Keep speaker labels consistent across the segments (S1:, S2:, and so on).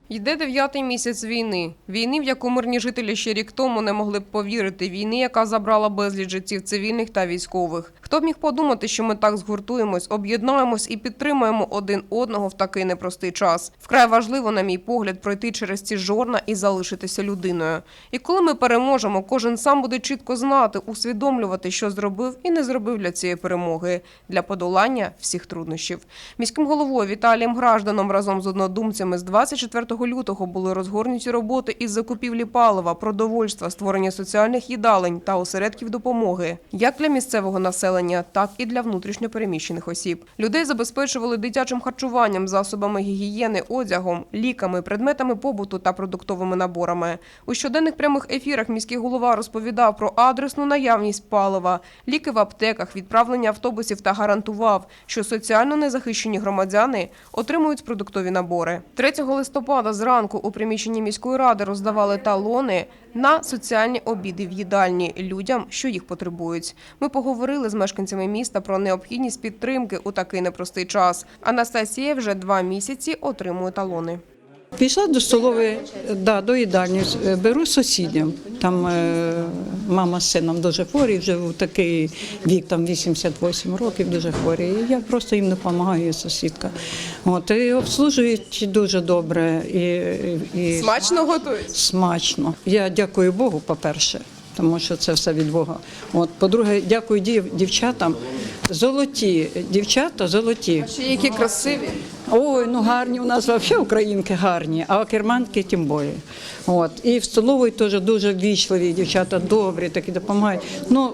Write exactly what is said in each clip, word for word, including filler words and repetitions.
S1: Йде дев'ятий місяць війни. Війни, в яку мирні жителі ще рік тому не могли б повірити. Війни, яка забрала безліч життів цивільних та військових. Хто б міг подумати, що ми так згуртуємось, об'єднаємось і підтримаємо один одного в такий непростий час. Вкрай важливо, на мій погляд, пройти через ці жорна і залишитися людиною. І коли ми переможемо, кожен сам буде чітко знати, усвідомлювати, що зробив і не зробив для цієї перемоги, для подолання всіх труднощів. Міським головою Віталієм Гражданом разом з однодумцями з двадцять четвертого лютого були розгорнуті роботи із закупівлі палива, продовольства, створення соціальних їдалень та осередків допомоги, як для місцевого населення, так і для внутрішньо переміщених осіб. Людей забезпечували дитячим харчуванням, засобами гігієни, одягом, ліками, предметами побуту та продуктовими наборами. У щоденних прямих ефірах міський голова розповідав про адресну наявність палива, ліки в аптеках, відправлення автобусів та гарантував, що соціально незахищені громадяни отримують продуктові набори. третього листопада зранку у приміщенні міської ради роздавали талони на соціальні обіди в їдальні людям, що їх потребують. Ми поговорили з мешканцями міста про необхідність підтримки у такий непростий час. Анастасія вже два місяці отримує талони.
S2: Пішла до столової, да, до їдальні, беру сусідям. Там е, мама з сином дуже хворі, вже в такий вік, там вісімдесят вісім років, дуже хворі. І я просто їм допомагаю, сусідка. От, і обслужують дуже добре. І, і,
S1: Смачно готують?
S2: Смачно. Я дякую Богу, по-перше, тому що це все від Бога. От, по-друге, дякую дів, дівчатам. Золоті, дівчата золоті.
S1: А ще які красиві.
S2: Ой, ну гарні у нас взагалі українки гарні, а керманки тим більше. От. І в столовій теж дуже ввічливі дівчата, добрі, такі допомагають. Ну,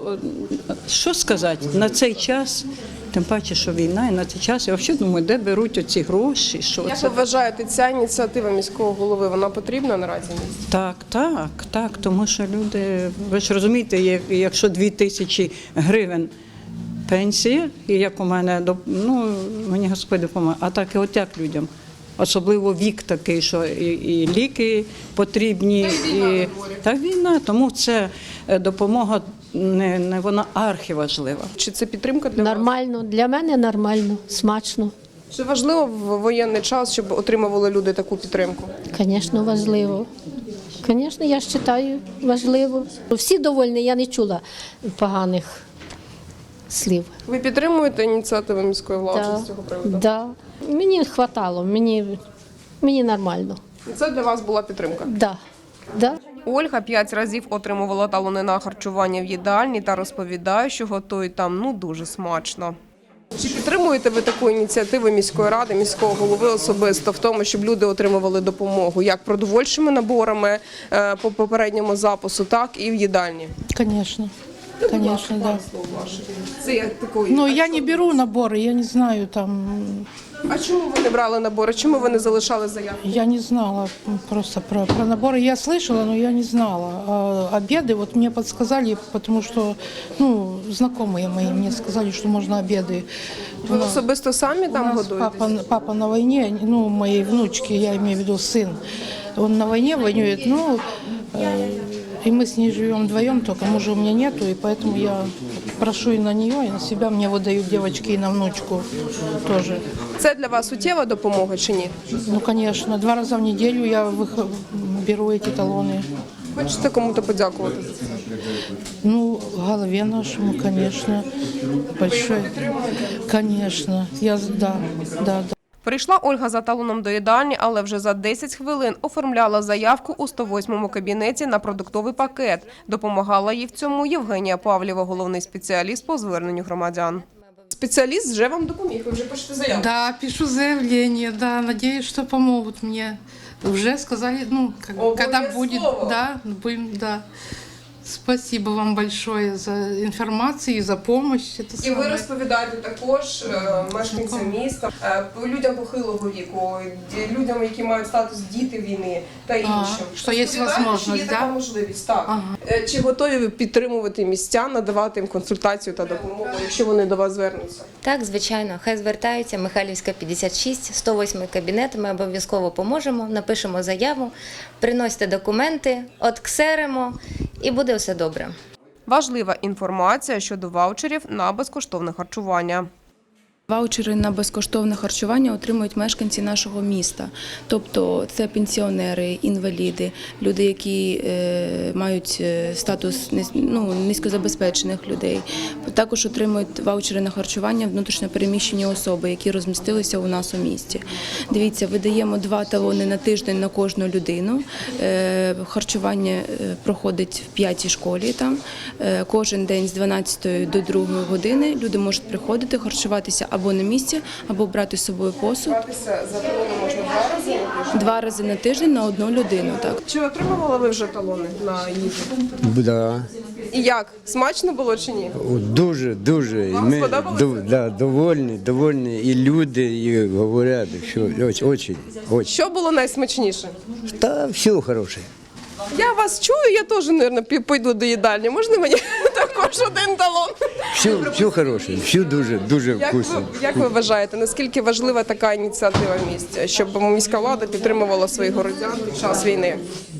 S2: що сказати, на цей час, тим паче, що війна, і на цей час, я взагалі думаю, де беруть оці гроші, що
S1: Як
S2: це?
S1: ви вважаєте, ця ініціатива міського голови, вона потрібна наразі місті?
S2: Так, так, так, тому що люди, ви ж розумієте, якщо дві тисячі гривень пенсія, і як у мене, ну, мені Господь допомагає, а так і от як людям. Особливо вік такий, що і, і ліки потрібні, і та війна, тому це допомога, не, не вона архіважлива.
S1: Чи це підтримка для вас?
S3: Нормально, для мене нормально, смачно.
S1: Чи важливо в воєнний час, щоб отримували люди таку підтримку?
S3: Звісно, важливо. Звісно, я вважаю, важливо. Всі довольні, я не чула поганих слів.
S1: Ви підтримуєте ініціативу міської влади
S3: Да,
S1: з цього приводу?
S3: да. Мені вистачало, мені, мені нормально.
S1: І це для вас була підтримка?
S3: Да, да.
S1: Ольга п'ять разів отримувала талони на харчування в їдальні та розповідає, що готують там ну дуже смачно. Чи підтримуєте ви таку ініціативу міської ради, міського голови особисто в тому, щоб люди отримували допомогу як продовольчими наборами е, по попередньому запису, так і в їдальні?
S4: Конечно, конечно, да.
S1: Це як такої.
S4: Но я не беру наборы, я не знаю там,
S1: А чому ви не брали набори? Чому ви не залишали заявку?
S4: я не знала просто про, про наборы. Я слышала, но я не знала. А обеды вот мне подсказали, потому что, ну, знакомые мои мне сказали, что можно обеды.
S1: Ви особисто самі
S4: У
S1: там
S4: нас
S1: годуєтесь?
S4: папа, папа на войне, ну, моей внучки, я имею в виду сын, он на войне воюет, ну, э, и мы с ней живем вдвоем, только мужа у меня нету, и поэтому я прошу и на нее, и на себя, мне вот дают девочки и на внучку тоже.
S1: Це для вас суттєва допомога чи ні?
S4: Ну, конечно, два раза в неделю я вых- беру эти талоны.
S1: Хочете кому-то подякувати?
S4: Ну, голове нашему, конечно, большой, конечно, я, да, да, да.
S1: Прийшла Ольга за талоном до їдальні, але вже за десять хвилин оформляла заявку у сто восьмому кабінеті на продуктовий пакет. Допомагала їй в цьому Євгенія Павлєва, головний спеціаліст по зверненню громадян. Спеціаліст вже вам допоміг, ви вже пишете заявку.
S4: Да, пишу заявление, да, надеюсь, что помогут мне. Уже сказали, ну, как, когда будет, да, будем, да. Спасибо вам большое за інформацію і за помощь. Это
S1: І ви
S4: самое.
S1: розповідаєте також е, мешканцям міста, е, людям похилого віку, ді- людям, які мають статус діти війни та іншим.
S4: що є
S1: Розповідаєте,
S4: можливість,
S1: що є така
S4: да?
S1: можливість, так.
S4: Ага.
S1: Е, Чи готові ви підтримувати містян, надавати їм консультацію та допомогу, якщо вони до вас звернуться?
S5: Так, звичайно, хай звертаються, Михайлівська, п'ятдесят шість, сто восьмий кабінет, ми обов'язково поможемо, напишемо заяву, приносьте документи, отксеримо і буде все добре.
S1: Важлива інформація щодо ваучерів на безкоштовне харчування.
S6: Ваучери на безкоштовне харчування отримують мешканці нашого міста. Тобто це пенсіонери, інваліди, люди, які е, мають е, статус низ- ну, низькозабезпечених людей. Також отримують ваучери на харчування внутрішньо переміщені особи, які розмістилися у нас у місті. Дивіться, видаємо два талони на тиждень на кожну людину. Е, харчування е, проходить в п'ятій школі там. Е, кожен день з дванадцятої до другої години люди можуть приходити, харчуватися або на місці, або брати з собою посуд.
S1: За талони можна два рази?
S6: Два рази на тиждень на одну людину. Так.
S1: Чи отримували ви вже талони на їжу?
S7: Да.
S1: І як? Смачно було чи ні?
S7: О, Дуже, дуже. І
S1: Вам сподобалося?
S7: до- да, довольні, довольні. І люди, і говорять, що очень, очень, очень.
S1: Що було найсмачніше?
S7: Та все хороше.
S1: Я вас чую, я теж, мабуть, пойду до їдальні. Можна мені також один талон?
S7: Все, все хороше, все дуже, дуже
S1: Як ви,
S7: вкусно.
S1: як ви вважаєте, наскільки важлива така ініціатива в місті, щоб міська влада підтримувала своїх городян під час війни?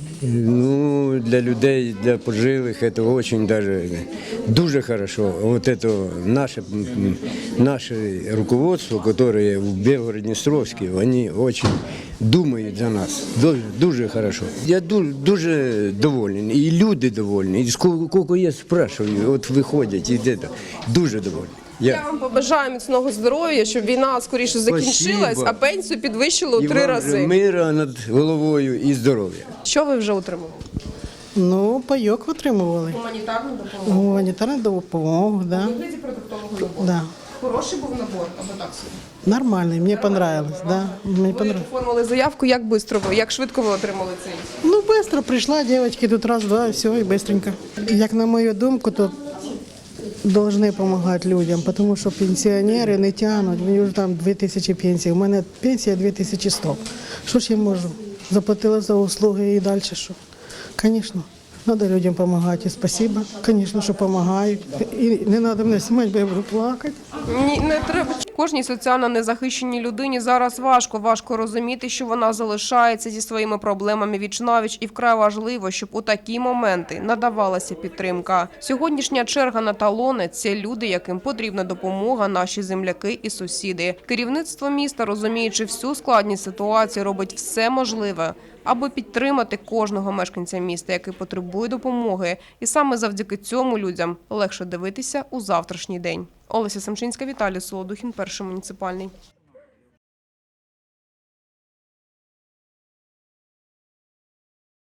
S7: Ну, для людей, для пожилих это очень даже дуже хорошо. Вот это наше, м, наше руководство, которое в Белгород-Днестровске, они очень думають за нас. Дуже, дуже хорошо. Я дуже, дуже довольний. І люди довольні. І скільки я спрашиваю, от виходять і де-то. Дуже довольні.
S1: Я
S7: Я.
S1: вам побажаю міцного здоров'я, щоб війна скоріше закінчилась,
S7: Спасибо.
S1: а пенсію підвищили у
S7: І
S1: три
S7: вам
S1: рази.
S7: же мира над головою і здоров'я.
S1: Що ви вже отримали?
S8: Ну, пайок отримували.
S1: Гуманітарну допомогу.
S8: Гуманітарну допомогу, да.
S1: Вигляді продуктового набору.
S8: Да.
S1: Хороший був набор, або так собі?
S8: Нормальний, мені понравилось, да. Мені
S1: Ви
S8: понравилось.
S1: оформили заявку, як швидко ви, як швидко ви отримали цей?
S8: Ну, швидко прийшла, дівчатки, тут раз, два, і все, і швидко. Як на мою думку, то повинні допомагати людям, тому що пенсіонери не тягнуть, мені вже там дві тисячі пенсій, у мене пенсія дві тисячі сто. Що ж я можу? Заплатила за услуги і далі що? Звісно. Треба людям допомагати. І спасибо, звісно, що допомагають. І не треба мене знімати, бо я буду плакати.
S1: Ні, не треба. Кожній соціально незахищеній людині зараз важко. Важко розуміти, що вона залишається зі своїми проблемами віч-навіч, і вкрай важливо, щоб у такі моменти надавалася підтримка. Сьогоднішня черга на талони – це люди, яким потрібна допомога, наші земляки і сусіди. Керівництво міста, розуміючи всю складність ситуації, робить все можливе, аби підтримати кожного мешканця міста, який потребує допомоги. І саме завдяки цьому людям легше дивитися у завтрашній день. Олеся Семчинська, Віталій Солодухін, Перший муніципальний.